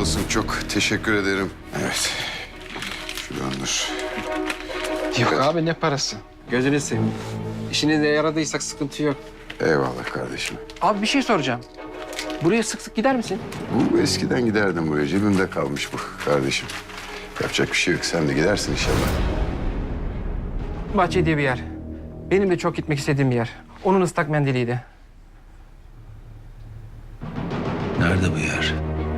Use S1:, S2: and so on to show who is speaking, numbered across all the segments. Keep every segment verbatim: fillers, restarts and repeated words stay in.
S1: olsun. Çok teşekkür ederim. Evet. Şuradan dur.
S2: Yok abi ne parası? Gözünü seveyim. İşinize yaradıysak sıkıntı yok.
S1: Eyvallah kardeşim.
S2: Abi bir şey soracağım. Buraya sık sık gider misin?
S1: Bu eskiden giderdim buraya. Cebimde kalmış bu kardeşim. Yapacak bir şey yok. Sen de gidersin inşallah.
S2: Bahçe diye bir yer. Benim de çok gitmek istediğim bir yer. Onun ıslak mendiliydi.
S3: Nerede bu yer?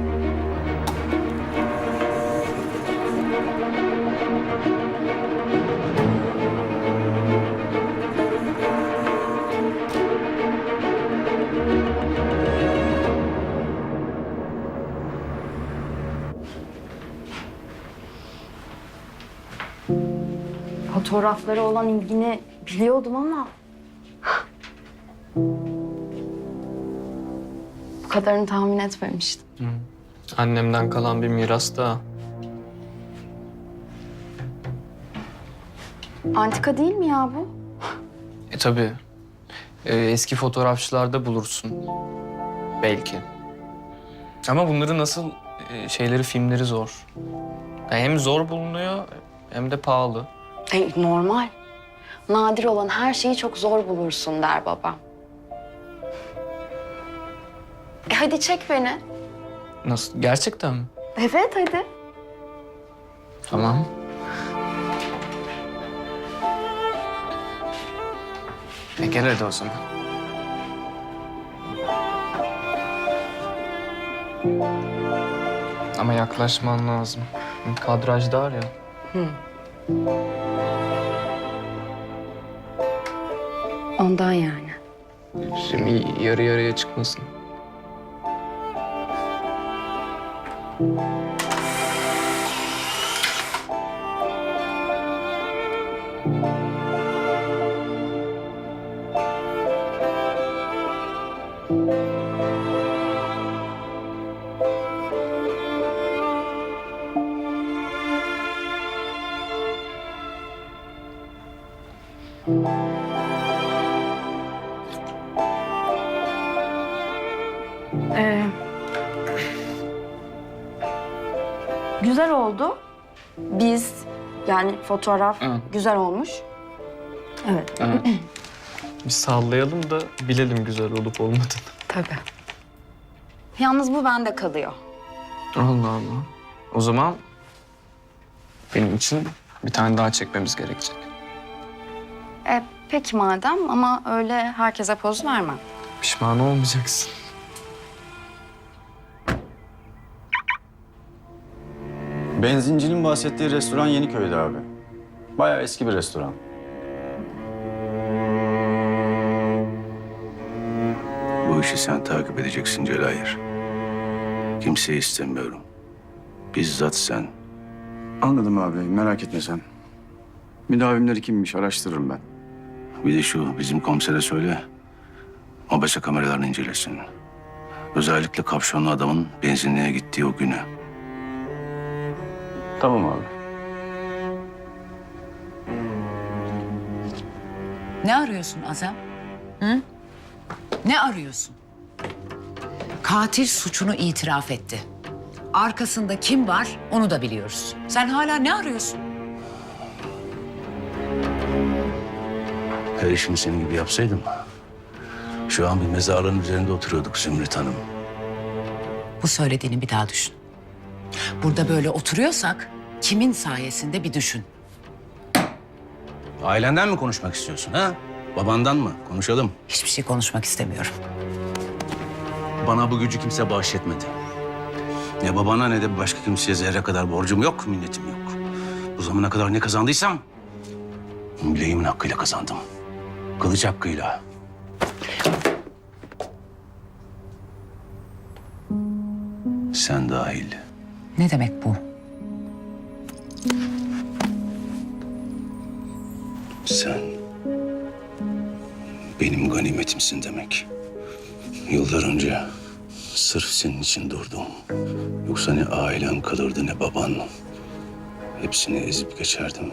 S4: Fotoğraflara olan ilgini biliyordum ama... bu kadarını tahmin etmemiştim.
S5: Annemden kalan bir miras da.
S4: Antika değil mi ya bu?
S5: E tabii. E, eski fotoğrafçılarda bulursun. Belki. Ama bunların nasıl e, şeyleri, filmleri zor. Yani hem zor bulunuyor hem de pahalı.
S4: E, normal. Nadir olan her şeyi çok zor bulursun der babam. E hadi çek beni.
S5: Nasıl? Gerçekten mi?
S4: Evet hadi.
S5: Tamam. E gel hadi o zaman. Ama yaklaşman lazım. Kadraj dar ya.
S4: Ondan yani.
S5: Şimdi yarı yarıya çıkmasın.
S4: Ee, güzel oldu. Biz yani fotoğraf
S5: Hı.
S4: güzel olmuş. Evet.
S5: Evet. Bir sallayalım da bilelim güzel olup olmadığını.
S4: Tabii. Yalnız bu bende kalıyor.
S5: Allah Allah. O zaman benim için bir tane daha çekmemiz gerekecek.
S4: E, peki madem ama öyle herkese poz vermem.
S5: Pişman olmayacaksın.
S6: Benzincinin bahsettiği restoran Yeniköy'de abi. Bayağı eski bir restoran.
S3: Bu işi sen takip edeceksin Celayir. Kimseyi istemiyorum. Bizzat sen.
S6: Anladım abi, merak etme sen. Müdavimleri kimmiş araştırırım ben.
S3: Bir de şu bizim komisere söyle. Mobese kameralarını incelesin. Özellikle kapşonlu adamın benzinliğe gittiği o günü.
S6: Tamam abi.
S7: Ne arıyorsun Azam? Hı? Ne arıyorsun? Katil suçunu itiraf etti. Arkasında kim var onu da biliyoruz. Sen hala ne arıyorsun?
S3: Her işimi senin gibi yapsaydım... şu an bir mezarlığın üzerinde oturuyorduk Zümrüt Hanım.
S7: Bu söylediğini bir daha düşün. Burada böyle oturuyorsak kimin sayesinde bir düşün.
S3: Ailenden mi konuşmak istiyorsun ha? Babandan mı? Konuşalım.
S7: Hiçbir şey konuşmak istemiyorum.
S3: Bana bu gücü kimse bahşetmedi. Ne babana ne de başka kimseye zerre kadar borcum yok, minnetim yok. Bu zamana kadar ne kazandıysam... bileğimin hakkıyla kazandım. Kılıç hakkıyla. Sen dahil.
S7: Ne demek bu?
S3: Sen benim ganimetimsin demek. Yıllar önce sırf senin için durdum. Yoksa ne ailen kalırdı ne baban. Hepsini ezip geçerdim.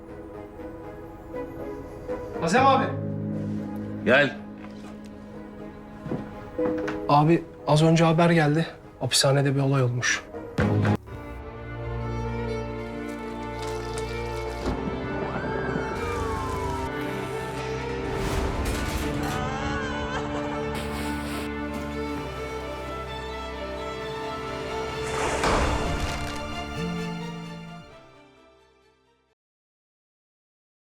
S2: Azem abi.
S3: Gel.
S2: Abi az önce haber geldi. Hapishanede bir olay olmuş.